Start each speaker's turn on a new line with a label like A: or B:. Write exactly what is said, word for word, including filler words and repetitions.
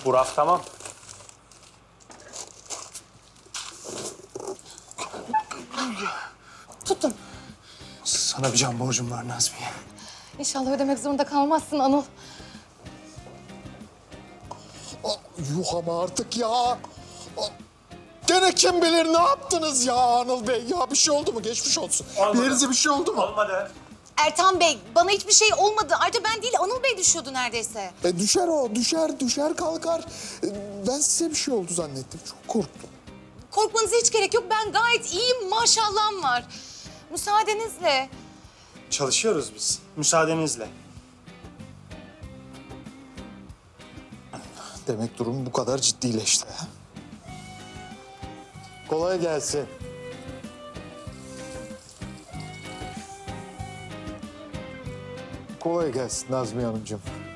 A: Burak tamam.
B: Tuttum.
A: Sana bir can borcum var Nazmiye.
B: İnşallah ödemek zorunda kalmazsın Anıl.
C: Ah, yuh ama artık ya. Ah, gene kim bilir ne yaptınız ya Anıl Bey? Ya bir şey oldu mu? Geçmiş olsun.
A: Olmadı.
C: Bir yerinize bir şey oldu mu?
A: Olmadı.
B: Ertan Bey, bana hiçbir şey olmadı. Ayrıca ben değil, Anıl Bey düşüyordu neredeyse.
C: E, düşer o, düşer, düşer kalkar. E, ben size bir şey oldu zannettim. Çok korktum.
B: Korkmanıza hiç gerek yok. Ben gayet iyiyim, maşallahım var. Müsaadenizle.
A: Çalışıyoruz biz. Müsaadenizle.
C: Demek durum bu kadar ciddileşti. Ha? Kolay gelsin. Kolay gelsin Nazmiye Hanımcığım.